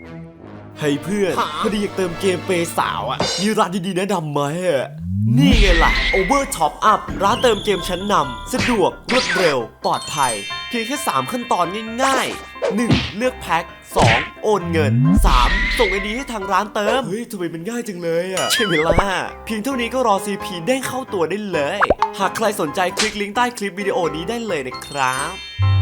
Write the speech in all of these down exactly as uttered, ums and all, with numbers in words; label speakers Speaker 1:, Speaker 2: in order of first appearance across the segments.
Speaker 1: ให้เพื่อนพอดีอยากเติมเกมเปย์สาวอ่ะมีร้านดีๆแนะนำไหมอ่ะนี่ไงล่ะ Over Top Up ร้านเติมเกมชั้นนำสะดวกรวดเร็วปลอดภัยเพียงแค่สามขั้นตอนง่ายๆ หนึ่ง เลือกแพ็ค สอง โอนเงิน สาม ส่งไอดีให้ทางร้านเติมเฮ้ยทำไมมันง่ายจังเลยอ่ะใช่ไหมล่ะเพียงเท่านี้ก็รอ ซี พี เด้งเข้าตัวได้เลยหากใครสนใจคลิกลิงก์ใต้คลิปวิดีโอนี้ได้เลยนะครับ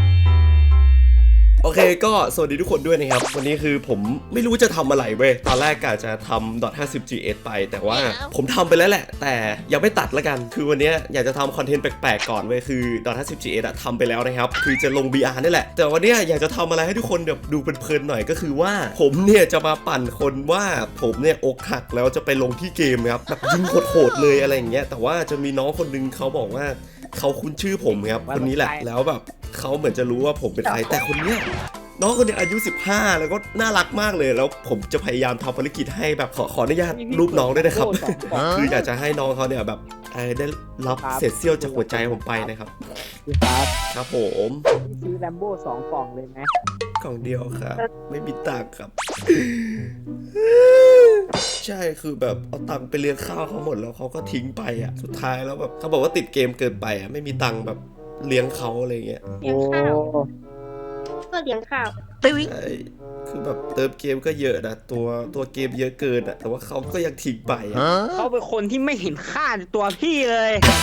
Speaker 1: โอเคก็สวัสดีทุกคนด้วยนะครับวันนี้คือผมไม่รู้จะทำอะไรเว้ยตอนแรกกะจะทำ ห้าสิบ จี เอส ไปแต่ว่าผมทำไปแล้วแหละแต่ยังไม่ตัดละกันคือวันนี้อยากจะทำคอนเทนต์แปลกๆก่อนเว้ยคือ ห้าสิบ จี เอส อะทำไปแล้วนะครับคือจะลง บี อาร์ นี่แหละแต่วันนี้อยากจะทำอะไรให้ทุกคนแบบดูเพลินๆหน่อยก็คือว่าผมเนี่ยจะมาปั่นคนว่าผมเนี่ยอกหักแล้วจะไปลงที่เกมครับแบบยิงโหดๆเลยอะไรอย่างเงี้ยแต่ว่าจะมีน้องคนนึงเขาบอกว่าเขาคุ้นชื่อผมครับคนนี้แหละแล้วแบบเขาเหมือนจะรู้ว่าผมเป็นใครแต่คนเนี้ยน้องคนนี้อายุสิบห้าแล้วก็น่ารักมากเลยแล้วผมจะพยายามทำภารกิจให้แบบขอขออนุญาตรูปน้องด้วยนะครับ คืออยากจะให้น้องเขาเนี่ยแบบได้รับเศษเสี้ยวจากหัวใจผมไปนะครับ
Speaker 2: ครับ
Speaker 1: ครับผม
Speaker 2: ซื้อแลมโบ้สองกล่องเลยไหม
Speaker 1: กล่องเดียวครับไม่มีตังค์ครับ ใช่คือแบบเอาตังค์ไปเลี้ยงข้าวเขาหมดแล้วเขาก็ทิ้งไปอ่ะสุดท้ายแล้วแบบเขาบอกว่าติดเกมเกินไปอ่ะไม่มีตังค์แบบเลี้ยงเขาอะไรเงี้ย
Speaker 2: โอ้
Speaker 3: ก็เลี้ยงข้าว
Speaker 1: ใช่คือแบบเติมเกมก็เยอะนะตัวตัวเกมเยอะเกินอ่ะแต่ว่าเขาก็ยังทิ้งไปอ่ะ
Speaker 2: เขาเป็นคนที่ไม่เห็นค่าในตัวพี่เลย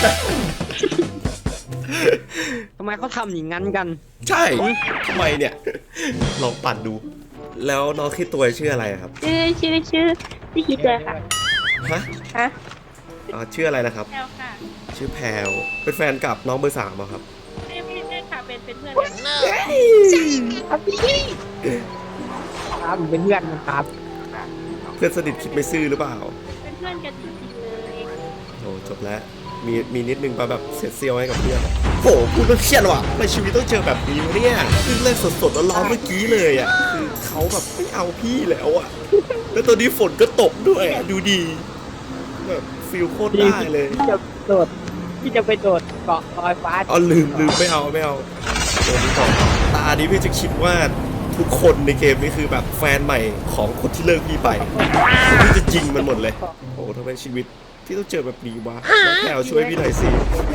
Speaker 2: ทำไมเขาทำอย่างนั้นกัน
Speaker 1: ใช่ทำไมเนี่ยลองปั่นดูแล้วน้องคิดตัวชื่ออะไรครับ
Speaker 3: ชื่อชื่อชื่อชื่อคิดเลยค่ะ
Speaker 1: ฮะ
Speaker 3: ฮะ
Speaker 1: อ๋อชื่ออะไรนะครับ
Speaker 3: แพลวค่ะ
Speaker 1: ชื่อแพลวเป็นแฟนกับน้องเบอร์สามครับ
Speaker 3: ไม่ไม่ไม่ค่ะเป็นเป็นเพื่อนกัน
Speaker 2: ครับพี่ครับผมเป็นเพื่อนนะครับ
Speaker 1: เพื่อนสนิทคิดไม่ซื่อหรือเปล่า
Speaker 3: เป็นเพื่อนกันจริงๆเลย
Speaker 1: โอ้จบแล้วมีมีนิดนึงมาแบบเสียเซียวให้กับเพื่อนโหพูดแล้วเครียดว่ะในชีวิตต้องเจอแบบนี้เนี่ยเพิ่งเล่นสดๆร้อนๆเมื่อกี้เลยอ่ะคือเขาแบบไม่เอาพี่แล้วอ่ะแล้วตอนนี้ฝนก็ตกด้วยดูดีแบบฟิลโคตรได้เลย
Speaker 2: พี่จะโดดพี่จะไปโดดเกาะลอยฟ้า
Speaker 1: อ๋อลืมลืมไม่เอาไม่เอาโดนต่อตานี้พี่จะคิดว่าทุกคนในเกมนี้คือแบบแฟนใหม่ของคนที่เลิกพี่ไปพี่จะยิงมันหมดเลยโอ้ทำไมชีวิตที่ต้องเจอแบบนี้วะน้องแพลวช่วยพี่หน่อยสิ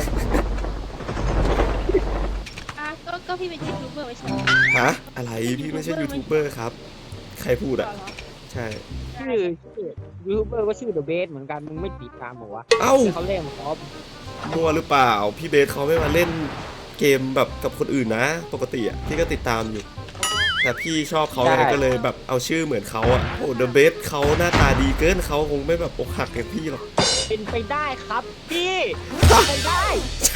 Speaker 3: อ่ะก็ก็พี่เป็นยูทูบเบอร์ไม่ใช่
Speaker 1: ฮะอะไรพี่ไม่ใช่ยูทูบเบอร์ครับใครพูดอ่ะใช่
Speaker 2: ชื่อชื่อยูทูบเบอร์ก็ชื่อเดอะเบสเหมือนกันมึงไม่ติดตามบอกว่า
Speaker 1: เอ้า
Speaker 2: เขาเล่นคอป
Speaker 1: มัวหรือเปล่าพี่เบสเขาไม่มาเล่นเกมแบบกับคนอื่นนะปกติอ่ะพี่ก็ติดตามอยู่แต่พี่ชอบเขาไงก็เลยแบบเอาชื่อเหมือนเขาอ่ะโอ้เดอะเบสเขาหน้าตาดีเกินเขาคงไม่แบบอกหักอย่างพี่หรอก
Speaker 2: เป็นไปได้ครับพี่เป็นไปได้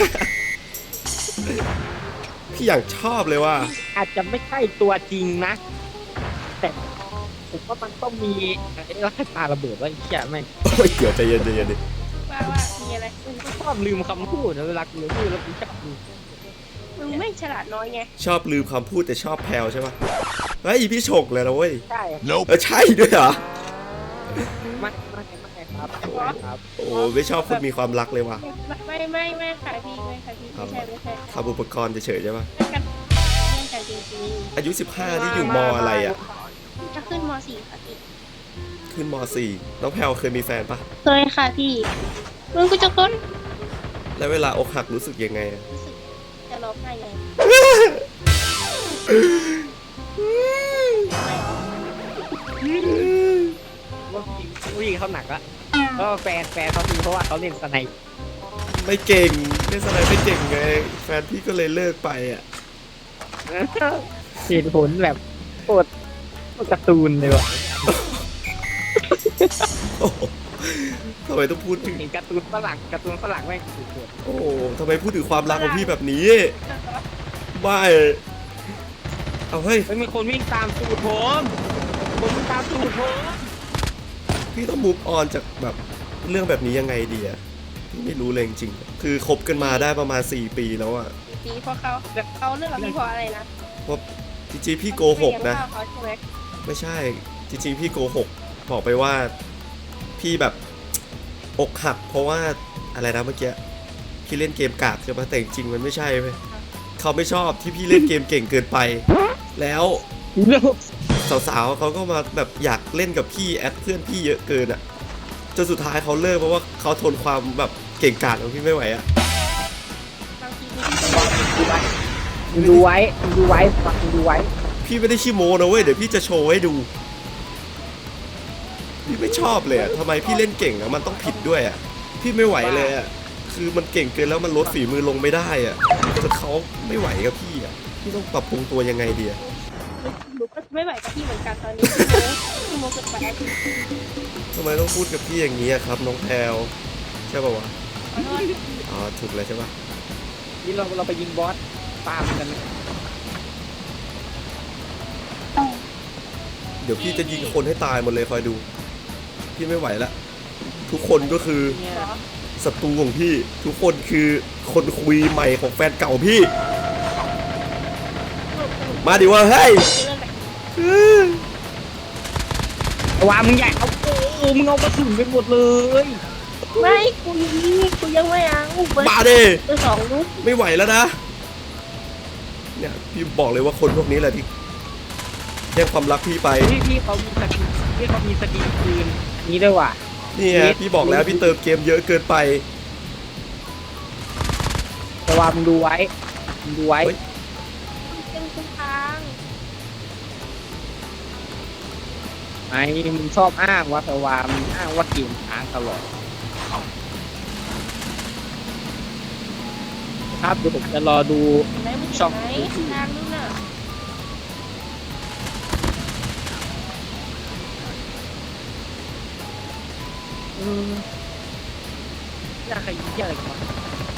Speaker 1: พี่อย่างชอบเลยว่า
Speaker 2: อาจจะไม่ใช่ตัวจริงนะแต่ผมว่ามันต้องมีไอ้ลักษณะระเบิดว่าเชี่ยไม่
Speaker 1: โอ้ยเดี๋ยวใจเย็นใจเย็นดิ
Speaker 3: ว่าว่ามีอะไร
Speaker 2: มึงก็ชอบลืมคำพูดเวลาลืมพูดแล้วมึงชอบลืม
Speaker 3: มึงไม่ฉลาดน้อยไง
Speaker 1: ชอบลืมคำพูดแต่ชอบแพลวใช่ปะเฮ้ยพี่ฉกเลยนะเว้ย
Speaker 2: ใช่
Speaker 1: เออใช่ด้วยเหรอ
Speaker 2: ไม่ไม่ไม่ครับครับ
Speaker 1: โอ้ไม่ชอบคนมีความรักเลยว่ะ
Speaker 3: ไม่ไม่ไม่ค่ะพี่ไม่ค่ะพี่ไม่ใช่ไม่ใช่
Speaker 1: ทำอุปกรณ์เฉยๆใช่ปะ
Speaker 3: เล่นกันเล่นกันจริง
Speaker 1: ๆอายุสิบห้าที่อยู่มอะไรอ่ะ
Speaker 3: จะขึ้นมสี่ค่ะพี่
Speaker 1: ขึ้นมสี่น้องแพลวเคยมีแฟนปะ
Speaker 3: เคยค่ะพี่มึงกูจะก้น
Speaker 1: แล้วเวลาอกหักรู้สึกยังไง
Speaker 3: รู้สึกจะร้องไห้เลย
Speaker 2: ว่าผู้หญิงเขาหนักละก็แฟนแฟนเขาคือเพราะว่าเขาเล่นสไนป์
Speaker 1: ไม่เก่งเล่นสไนป์ไม่เก่งไงแฟนพี่ก็เลยเลิกไปอ่ะ
Speaker 2: เหตุผลแบบโคตรการ์ตูนเลยว่ะ
Speaker 1: ทำไมต้องพูดถึง
Speaker 2: การ์ตูนฝรั่งการ์ตูนฝรั่งแม่งสุด
Speaker 1: ๆโอ้ทำไมพูดถึงความรักของพี่แบบนี้ไม่เอาเฮ้ย
Speaker 2: ไม่มีคนวิ่งตามตูดผมผมวิ่งตามตูดผม
Speaker 1: พี่ต้องมูฟออนจากแบบเรื่องแบบนี้ยังไงดีอะพี่ไม่รู้เลยจริงๆคือคบกันมาได้ประมาณสี่ปีแล้วอะ
Speaker 3: ปีเพราะเขาเขาเรื่องกับพี่เพราะอะไรนะ
Speaker 1: เพราะจริงๆพี่โกหกนะไม่ใช่จริงๆพี่โกหกบอกไปว่าพี่แบบอกหักเพราะว่าอะไรนะเมื่อกี้พี่เล่นเกมกากใช่ไหมแต่จริงๆมันไม่ใช่ไหมเขาไม่ชอบที่พี่เล่นเกมเก่งเกินไปแล้วสาวๆเขาก็มาแบบอยากเล่นกับพี่แอดเพื่อนพี่เยอะเกินอะจนสุดท้ายเขาเลิกเพราะว่าเขาทนความแบบเก่งกาจของพี่ไม่ไหวอะ
Speaker 3: บางทีพี่ก็
Speaker 2: มึงดูไว้มึงดูไว้ฟังมึงดูไว้
Speaker 1: พี่ไม่ได้ขี้โม้นะเว้ยเดี๋ยวพี่จะโชว์ให้ดู พี่ไม่ชอบเลยอะทำไมพี่เล่นเก่งอะมันต้องผิดด้วยอะพี่ไม่ไหวเลยอะคือมันเก่งเกินแล้วมันลดฝีมือลงไม่ได้อะจนเขาไม่ไหวกับพี่อะพี่ต้องปรับปรุงตัวยังไงดีอะ
Speaker 3: หนูก็ไม่ไหวกับพี่เหมือนกันตอนนี้พี่โมพี่โมเกิดไปแล้วพี่
Speaker 1: ทำไมต้องพูดกับพี่อย่างนี้อะครับน้องแพลวใช่ป่าวะ
Speaker 3: ขอโทษ
Speaker 1: อ๋อถูกเลยใช่ปะ
Speaker 2: นี่เราเราไปยิงบอสตามกันนะ
Speaker 1: เดี๋ยวพี่จะยิงคนให้ตายหมดเลยคอยดู พี่ไม่ไหวละทุกคนก็คือ
Speaker 2: เนี่ย
Speaker 3: เหรอ
Speaker 1: ศัตรูของพี่ ทุกคนคือคนคุยใหม่ของแฟนเก่าพี่ มาดิว่าเฮ้ย
Speaker 2: ว่ามึงใหญ่เอาโอ้มึงเอากระสุนไปหมดเลย
Speaker 3: ไม่กูยังนี่กูยังไม่เอาเบอร์
Speaker 1: มาดิ
Speaker 3: เบอร์สองลูก
Speaker 1: ไม่ไหวแล้วนะเนี่ยพี่บอกเลยว่าคนพวกนี้แหละที่แย่งความรักพี่ไป
Speaker 2: พี่พี่เขามีสกินพี่เขามีสกินคืนนี้ด้วยว่ะ
Speaker 1: นี่ไงพี่บอกแล้วพี่เติมเกมเยอะเกินไป
Speaker 2: แต่ว่ามึงดูไว้มึงดูไว้
Speaker 1: เฮ้ย
Speaker 3: เป็นคุณทาง
Speaker 2: ไอ้มึงชอบอ้างว่าแต่ว่ามึงอ้างว่าเกมค้างตลอดครับเดี๋ยวผมจะรอดู
Speaker 3: เห็นไหมมัน
Speaker 2: ช่
Speaker 3: เห็
Speaker 2: อง
Speaker 3: นไหมทางนู้นน่ะ
Speaker 2: อืมน่าขยี้อะไรกันวะ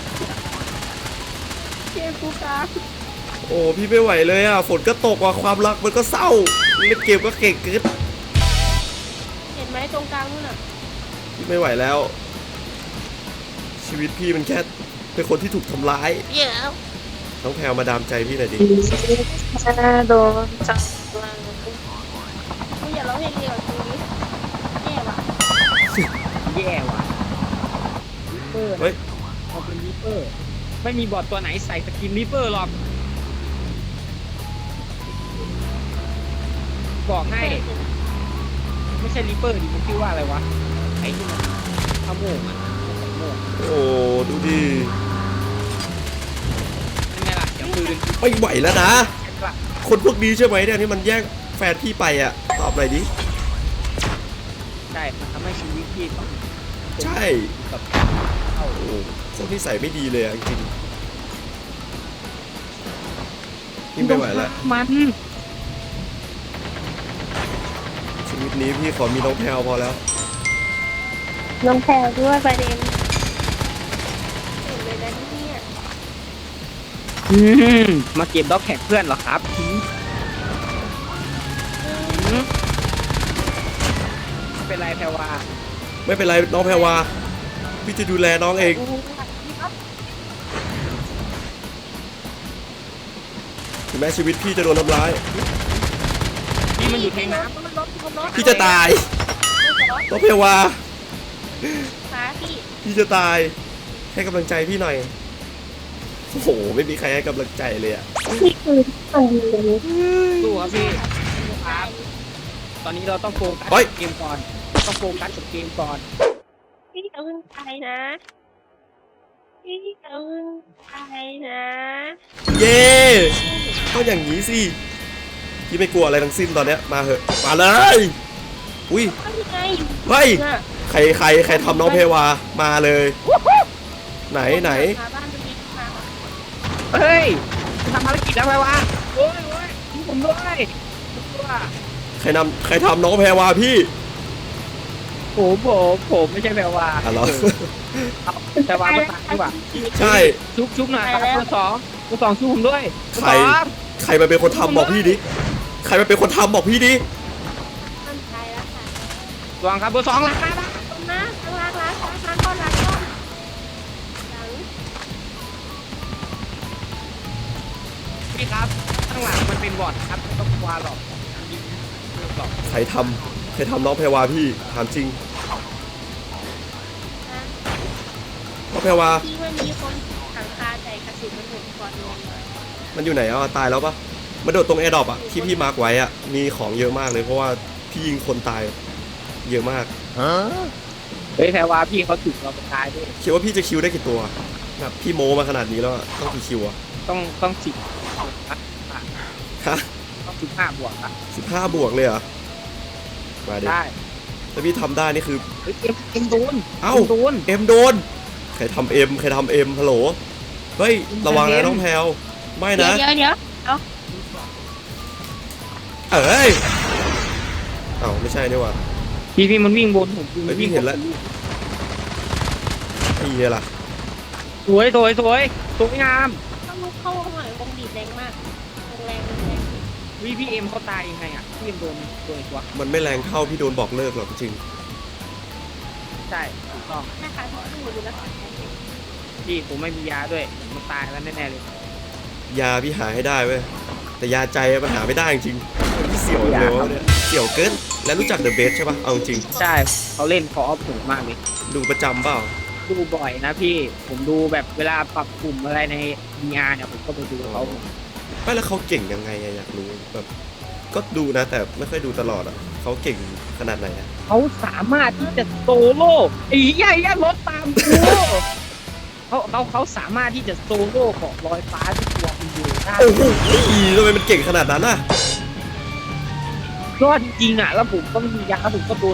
Speaker 3: เชียร์กูกลาง
Speaker 1: โอ้พี่ไม่ไหวเลยอ่ะฝนก็ตกว่ะความรักมันก็เศร้าเล่นเกมก็เก่งเกิน
Speaker 3: เห็นไหมตรงกลางนู้นน่ะ
Speaker 1: พี่ไม่ไหวแล้ว ชีวิตพี่มันแค่เป็นคนที่ถูกทำร้าย
Speaker 3: เดี๋ยว
Speaker 1: น้องแพลวมาดามใจพี่หน่อยดิ
Speaker 3: โดนจับกูอย่าร้องเพลงเดียวกูนี้แย่ว่ะ
Speaker 2: แย่ว่ะลิปเปอร์
Speaker 1: เฮ้ย
Speaker 2: เขาเป็นลิปเปอร์ ไม่มีบอทตัวไหนใส่สกินลิปเปอร์หรอก บอกให้ ไม่ใช่ลิปเปอร์ดิมันชื่อว่าอะไรวะ ไอ้ที่มันขโมงอ่ะขโมง
Speaker 1: โอ้ดูดิ
Speaker 2: นั่นไงล่ะเสียงปืน
Speaker 1: ไม่ไหวแล้วนะ
Speaker 2: ใช่ปะ
Speaker 1: คนพวกนี้ใช่ไหมเนี่ยที่มันแย่งแฟนพี่ไปอ่ะตอบหน่อยดิ
Speaker 2: ใช่มันทำให้ชีวิตพี่ต้อง
Speaker 1: ใช่
Speaker 2: แบบเข้า
Speaker 1: โอ้คนนิสัยไม่ดีเลยอ่ะจริงๆพี่ไม่ไหวแล้ว
Speaker 2: มัน
Speaker 1: ชีวิตนี้พี่ขอมีน้องแพลวพอแล้ว
Speaker 3: น้องแพรด้วยประเด็นเห็นเลยนะเนี่ย
Speaker 2: อืมมาเก็บด็อกแท็กเพื่อนเหรอครับอืมอืมไม่เป็นไรแพรวา
Speaker 1: ไม่เป็นไรน้องแพรวาพี่จะดูแลน้องเองถึงแม้ชีวิตพี่จะโดนทำร้าย
Speaker 2: นี่มันอยู่ในน้
Speaker 3: มันลดมันลด
Speaker 1: พี่จะตายน้องแพรวา
Speaker 3: ขาพี่
Speaker 1: พี่จะตายให้กำลังใจพี่หน่อยโอ้โหไม่มีใครให้กำลังใจเลยอ่ะ
Speaker 3: นี่คือตัวนี้
Speaker 2: ำสู้ครับพี่ครับตอนนี้เราต้องโฟกัสกับเกมก่อน ต้องโฟกัสกับเกมก่อน
Speaker 3: พี่เอาเงินไปนะพี่เอาเงินไปนะ
Speaker 1: เย้ต้องอย่างนี้สิพี่ไม่กลัวอะไรทั้งสิ้นตอนเนี้ยมาเหอะมาเลยอุ้ย
Speaker 3: ทำยังไง
Speaker 1: เฮ้ย
Speaker 3: น่ะ
Speaker 1: ใครใครใครทำน้องเพวามาเลย ไหนไหน
Speaker 3: หาบ้านตรงนี้มา
Speaker 2: เฮ้ยทำภารกิจแล้วแพรวาโอ้ยโอ้ยทิ้งผมด้วยว่า
Speaker 1: ใครนำใครทำน้องแพรวาพี่
Speaker 2: ผมผมผมไม่ใช่แพรวา
Speaker 1: อ่ะเหรอ
Speaker 2: เอาแพรวามาตายดีกว่า
Speaker 1: ใช่
Speaker 2: ชุบชุบหน่อยครับตัวสองตัวสองชุบผมด้วยตัว
Speaker 1: ใคร
Speaker 2: สอง
Speaker 1: ใครมาเป็นคนทำบอกพี่ดิใครมาเป็นคนทำบอกพี่ดิ
Speaker 3: ต้นไทยแล้วค่ะ
Speaker 2: วางครับเบอร์สองหลังมาละ
Speaker 3: ต้นนะข้างล่างล้างล้างล้างก้อนล้างก้อนหลัง
Speaker 2: พี่ครับข้างหลังมันเป็นบอร์ดครับไม่ต้องกลัวหรอกยิงหรอก
Speaker 1: ใครทำใครทำน้องแพรวาพี่ถามจริง
Speaker 3: นะ
Speaker 1: น้องแพรวา
Speaker 3: ที่มันมีคนถังคาใจกระสุนมันหมุนก่อนลงมา
Speaker 1: มันอยู่ไหนอ่ะตายแล้วปะมันมาโดดตรงแอร์ดรอปอะที่พี่มาร์กไว้อะมีของเยอะมากเลยเพราะว่าพี่ยิงคนตายเยอะมาก
Speaker 2: เฮ้ยแพรว่าพี่เขาถึงเราไปตายด้วย
Speaker 1: คิดว่าพี่จะคิวได้กี่ตัวแบบพี่โมมาขนาดนี้แล้วอะต้องกี่คิวอะ
Speaker 2: ต้องต้องสิบ
Speaker 1: ฮะ
Speaker 2: ต้องสิบห้าบวกอะ
Speaker 1: สิบห้าบวกเลยเหรอมาดิ
Speaker 2: ได้
Speaker 1: ถ้าพี่ทำได้นี่คือ
Speaker 2: เฮ้ยเอ็มเอ็มโดน
Speaker 1: เอ้า
Speaker 2: อ็มโดน
Speaker 1: เอ็มโดนใครทำเอ็มใครทำเอ็มฮัลโหลเฮ้ยระวังนะน้องแพลวไม่
Speaker 3: เดี๋ย
Speaker 1: นะ
Speaker 3: วเดี๋ยวเดี๋ยว
Speaker 1: เอ้ยเอ้าไม่ใช่นี่หว่า
Speaker 2: พี่พี่มันวิ่งบนผม
Speaker 1: เฮ้ยพี่เห็นแล้ว ไอ้เหี้ยล่ะ
Speaker 2: สวยสวยสวยสวยงาม
Speaker 3: ต้องลุกเข้าหน่อยวงบีบแรงมากวงแรงวงแรง
Speaker 2: วิพี่เอ็มเขาตายยังไงอ่ะพี่เอ็มโดนโดนตัว
Speaker 1: มันไม่แรงเท่าพี่โดนบอกเลิกหรอกจริง
Speaker 2: ใช่ถูกต้อง
Speaker 3: นะคะที่ดูดูแล้ว
Speaker 2: พี่ผมไม่มียาด้วยมันตายแล้วแน่ๆเลย
Speaker 1: ยาพี่หาให้ได้เว้ยแต่ยาใจมันหาไม่ได้จริงๆพี่เสี่ยวเลยวะเนี่ยเสี่ยวเกินแล้วรู้จักเดอะเบสใช่ปะเอาจริง
Speaker 2: ใช่เขาเล่นคออฟถูกมากเลย
Speaker 1: ดูประจำเปล่า
Speaker 2: ดูบ่อยนะพี่ผมดูแบบเวลาปรับกลุ่มอะไรใน ดี อาร์ เนี่ยผมก็ไปดูเขา
Speaker 1: ไม่แล้วเขาเก่งยังไงอะอยากรู้แบบก็ดูนะแต่ไม่ค่อยดูตลอดอะเขาเก่งขนาดไหนอะ
Speaker 2: เขาสามารถที่จะโซโล่อีใหญ่ยัรถตามกูเขาเขาเขาสามารถที่จะโซโล่ของลอยฟ้าที่ตัวมันอยู่ได้
Speaker 1: โอ้โหทำไมมันเก่งขนาดนั้นอะ
Speaker 2: ยอดจริงๆอ่ะแล้วผมก็ไม่มียาผมก็โดน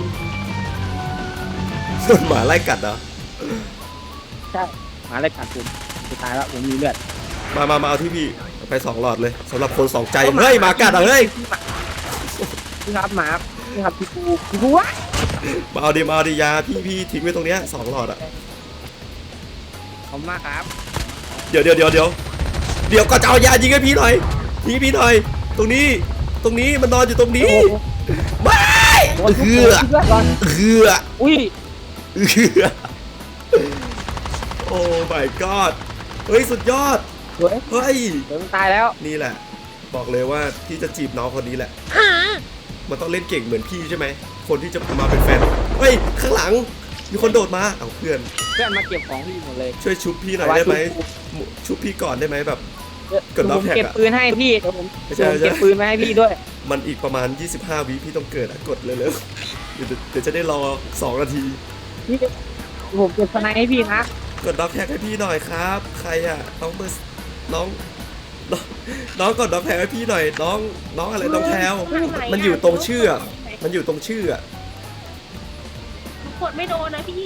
Speaker 1: ส่วนหมาไล่กัดเหรอ
Speaker 2: ใช่หมาเลยขาดผมสุดท้ายแล้วผมมีเลือด
Speaker 1: มามามาเอาที่พี่ไปสองหลอดเลยสำหรับคนสองใจเฮ้ยหมากัดเหรอเฮ้ย
Speaker 2: พี่ครับหมาพี่ครับพี่ปูพี่ปูวะ
Speaker 1: มาเอาดิมาเอาดิยาพี่พี่ทิ้งไว้ตรงเนี้ยสองหลอดอะ
Speaker 2: ขอบคุณมากครับ
Speaker 1: เดี๋ยวเดี๋ยวเดี๋ยวเดี๋ยวเดี๋ยวก็จะเอายายิงให้พี่หน่อยยิงให้พี่หน่อย ตรงนี้ตรงนี้มันนอนอยู่ตรงนี้ไม่
Speaker 2: โดนทุก
Speaker 1: เหื
Speaker 2: คน
Speaker 1: อ
Speaker 2: เลือดก่อน
Speaker 1: เหือ
Speaker 2: อุ้ย
Speaker 1: เหือโอ้ my god เฮ้ยสุดยอด
Speaker 2: สวย
Speaker 1: เฮ้ย
Speaker 2: เดี๋ยวมันตายแล้ว
Speaker 1: นี่แหละ บอกเลยว่าพี่จะจีบน้องคนนี้แหละมันต้องเล่นเก่งเหมือนพี่ใช่ไหมคนที่จะมาเป็นแฟนเฮ้ยข้างหลังมีคนโดดมาเอาเพื่อน
Speaker 2: เพื่อนมาเก็บของพี่หมดเลย
Speaker 1: ช่วยชุบพี่หน่อยได้ไหมชุบพี่ก่อนได้ไหมแบบ กดล็อก
Speaker 2: ผม
Speaker 1: แท็กอะ
Speaker 2: เก็บปืนให้พี่เดี๋ยวผม
Speaker 1: ไม่ใช่
Speaker 2: ผมเก็บปืนมาให้พี่ด้วย
Speaker 1: มันอีกประมาณยี่สิบห้าวิพี่ต้องเกิดอะกดเลยเลยเดี๋ยวเดี๋ยวจะได้รอสองนาที
Speaker 2: พี่ผมเก็บสไนให้พี่นะ
Speaker 1: กดด็อกแท็กให้พี่หน่อยครับ ใครอะน้องเบอร์น้องน้องน้องกดด็อกแท็กให้พี่หน่อยน้องน้องอะไรน้องแพลวมันอยู่ตรงชื่ออะมันอยู่ตรงชื่ออะ
Speaker 3: กดไม่โดนนะพี่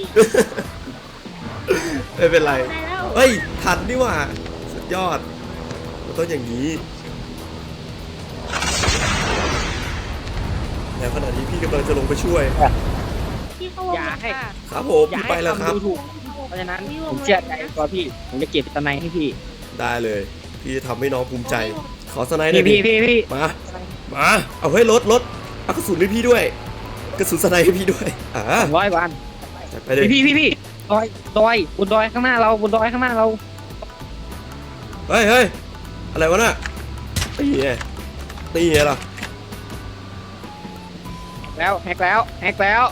Speaker 1: ไม่เป็นไร
Speaker 3: ได้แล้ว
Speaker 1: เฮ้ยทันนี่หว่าสุดยอดมันต้องอย่างนี้แล้วขณะนี้พี่กำลังจะลงไปช่วย
Speaker 3: พี่เข้าวงค่ะ
Speaker 1: ครับผม
Speaker 2: อย่า
Speaker 1: พี่
Speaker 2: ให้
Speaker 1: ไปแล้วครับ
Speaker 2: ทำดูถูกเพราะฉะนั้นผมเชื่อใจตัวพี่ผมจะเก็บสไนให้พี่
Speaker 1: ได้เลย พี่จะทำให้น้องภูมิใจ ขอสไนด์หน่
Speaker 2: พี่
Speaker 1: อยดิ
Speaker 2: พี่พี่พี่
Speaker 1: มา มา เอาเฮ้ยรถรถเอากระสุนให้พี่ด้วย กระสุนสไนด์ให้พี่ด้วย อ่า
Speaker 2: สองร้อยวัน
Speaker 1: จัดไปเลย
Speaker 2: พี่พี่พี่ดอยดอยบนดอยข้างหน้าเราบนดอยข้างหน้าเรา
Speaker 1: เฮ้ยเฮ้ยอะไรวะน่ะตีไงตีไงล่ะ
Speaker 2: แล้วแฮกแล้วแฮกแล้ว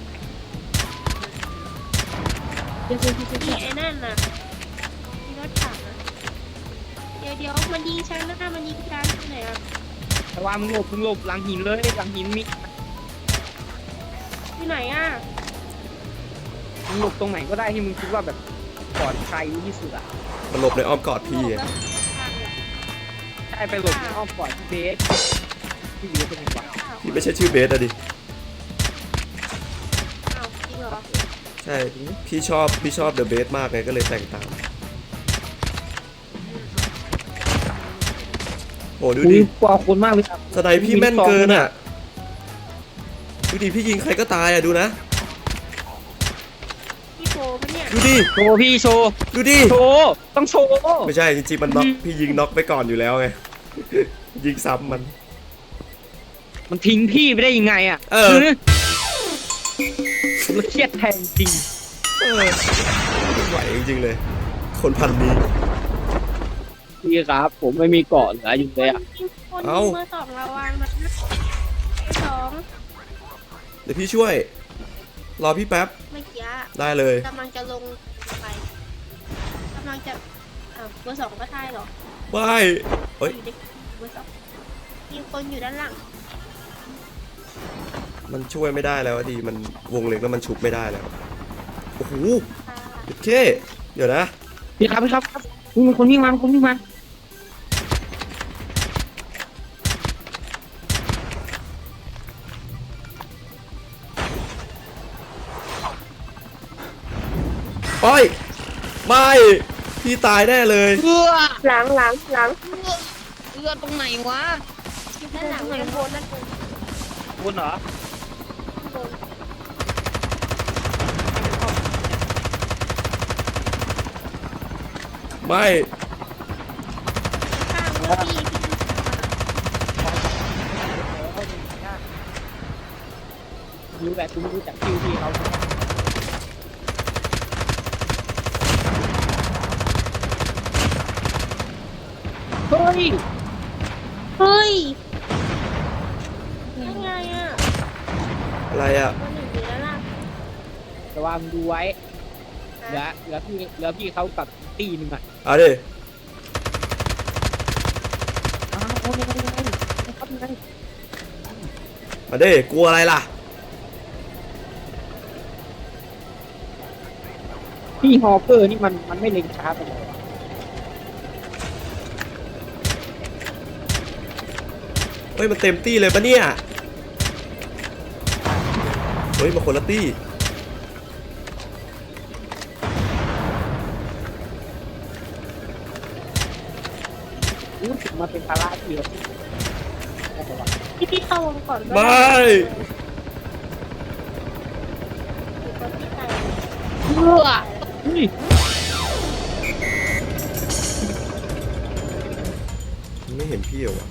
Speaker 3: นี่ไอ้นั่นน่ะมีรถถังนะเดี๋ยวเดี๋ยวมันยิงฉันนะมันยิงฉันที่ไหนอ่ะ
Speaker 2: แต่ว่ามึงหลบมึงหลบหลังหินเลยหลังหินมี
Speaker 3: ที่ไหนอ่ะ
Speaker 2: มึงหลบตรงไหนก็ได้ที่มึงคิดว่าแบบปลอดภัยที่สุดอ่ะ
Speaker 1: มันหลบในอ้อมกอดพี่ไง
Speaker 2: ใช่ไปหลบในอ้อมปลอดที่เบสที่เบสเป็นไงวะ
Speaker 1: พี่ไม่ใช่ชื่อเบสอะดิ
Speaker 3: อ้าวจริงเหรอ
Speaker 1: ใช่ พี่ชอบพี่ชอบเดอะเบสมากไงก็เลยแต่งตามโอ้ดู
Speaker 2: อุ้
Speaker 1: ดิ
Speaker 2: ยกลัวคนมากเลยครับ
Speaker 1: สไนด์พี่แม่นเกินอ่ะ ดูดิพี่ยิงใครก็ตายอ่ะดูนะ
Speaker 3: พี่โฟมันเนี่ย
Speaker 1: ดูดิ
Speaker 2: โชว์พี่โชว์
Speaker 1: ดูดิ
Speaker 2: โชว์ต้องโชว์
Speaker 1: ไม่ใช่จริงๆมันน็อกพี่ยิงน็อกไปก่อนอยู่แล้วไง ยิงซ้ำมัน
Speaker 2: มันทิ้งพี่ไปได้ยังไงอ่ะ
Speaker 1: เออ
Speaker 2: ผมเครียดแทนจริง
Speaker 1: เออไม่ไหวจริงๆเลย คนพันนี้
Speaker 2: พี่ครับ ผมไม่มีเกาะเหลืออยู่เลยอ่ะ
Speaker 3: คน
Speaker 1: เอ้า
Speaker 3: เมื่อสองระวังนะสอง
Speaker 1: เดี๋ยวพี่ช่วย รอพี่แป๊บ
Speaker 3: เมื่อกี้
Speaker 1: ได้เลย
Speaker 3: กำลังจะลงไปกำลังจะอ้าวเบอร์สองก็ใช่เหรอ
Speaker 1: ว้ายเฮ้ย
Speaker 3: อยู่ในเบอร์สองมีคนอยู่ด้านหลัง
Speaker 1: มันช่วยไม่ได้แล้วอะดีมันวงเล็กแล้วมันชุบไม่ได้แล้วโอ้โห
Speaker 3: ค่ะ
Speaker 1: โอเคเดี๋ยวนะ
Speaker 2: พี่ครับพี่ครับครับมีคนวิ่งมามีคนวิ่งมา
Speaker 1: โอ้ยไม่พี่ตายแน่เลย
Speaker 2: เอื้อ
Speaker 3: หลังหลังหลัง
Speaker 2: เอื้อตรงไหนวะ
Speaker 3: ด้านหลังด้านบนด้านบน
Speaker 2: บนเหรอ
Speaker 3: ด้านบน
Speaker 1: ไม่
Speaker 3: ข้างเมื่อกี้พี่
Speaker 2: รู้แหละคุณรู้จักคิวพี่เขาเฮ้ย
Speaker 3: เฮ้ยยังไงอ่ะ
Speaker 1: อะไรอ่ะ
Speaker 3: คนหนึ่งอยู่ด้านล่าง
Speaker 2: ระวังดูไว้เหลือเหลือพี่เหลือพี่เขากับตีหนึงอ่ะ
Speaker 1: เอาดิ
Speaker 2: อ้าวโอ้ยยังไงยังไงครับยังไง
Speaker 1: มาดิกลัวอะไรล่ะ
Speaker 2: พี่ฮอเกอร์นี่มันมันไม่เล็งช้าไปเลย
Speaker 1: เฮ้ยมันเต็มตี้เลยปะเนี่ยเฮ้ยมาคนละตี้
Speaker 2: รู้สึกมาเป็นภาระที่เราได้แต่ว่า
Speaker 3: พี่พี่เข้าวงก่อนก็
Speaker 1: ไม่
Speaker 3: ได้มีคนที่ตาย
Speaker 2: เอื้อเฮ้ย
Speaker 1: ไม่เห็นพี่เหรอวะ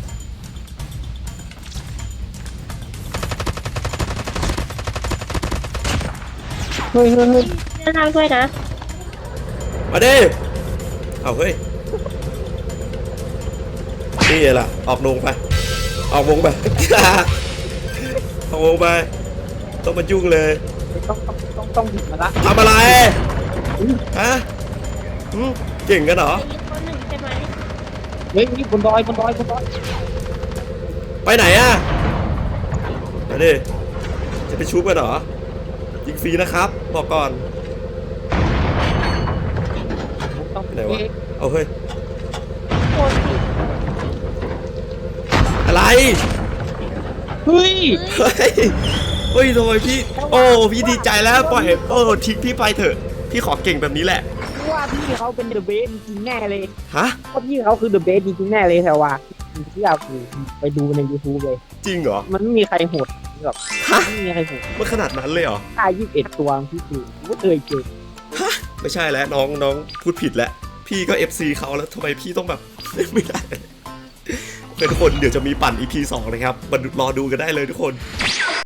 Speaker 2: เฮ้ยเฮ้ยเฮ้ย
Speaker 3: ด้านล่างด้วยนะ
Speaker 1: มาดิเอาเฮ้ยนี่ไงล่ะออกดงไปออกวงไป ออกวงไปต้องมายุ่งเลย
Speaker 2: ต้องต้องต้องต้องหยิบมาละ
Speaker 1: ทำอะไรฮะหืมเก่งกันเหรอ
Speaker 3: จะมีคนหนึ่งใช่ไหม
Speaker 2: เฮ้ยนี่บนดอยบนดอยบนดอย
Speaker 1: ไปไหนอะมาดิจะไปชุบกันเหรอยิงฟรีนะครับบอกก่อน
Speaker 2: ต้อง
Speaker 1: ไหนวะ เอาเฮ้ย
Speaker 3: คนผิด
Speaker 1: อะไร
Speaker 2: เฮ้ย
Speaker 1: เฮ้ยเฮ้ยทำไมพี่โอ้พี่ดีใจแล้วปล่อยโอ้ทิ้งพี่ไปเถอะพี่ขอเก่งแบบนี้แหละ
Speaker 2: ว่าพี่เขาเป็นเดอะเบสจริงๆแน่เลย
Speaker 1: ฮะ
Speaker 2: เพราะพี่เขาคือเดอะเบสจริงๆแน่เลยแต่ว่าที่เราคือไปดูใน YouTube เลย
Speaker 1: จริงเหรอ
Speaker 2: มันไม่มีใครโหดแบบ
Speaker 1: ฮะ
Speaker 2: ไม่มีใครโหด
Speaker 1: มันขนาดนั้นเลยเหรอ
Speaker 2: ค่ายี่สิบเอ็ดตัวพี่คือไม่เคยเจอ
Speaker 1: ไม่ใช่แล้วน้องน้องพูดผิดแล้วพี่ก็ เอฟ ซี เขาแล้วทำไมพี่ต้องแบบ ไม่ได้โอเคทุกคนเดี๋ยวจะมีปั่น อี พี สองนะครับมารอดูกันได้เลยทุกคน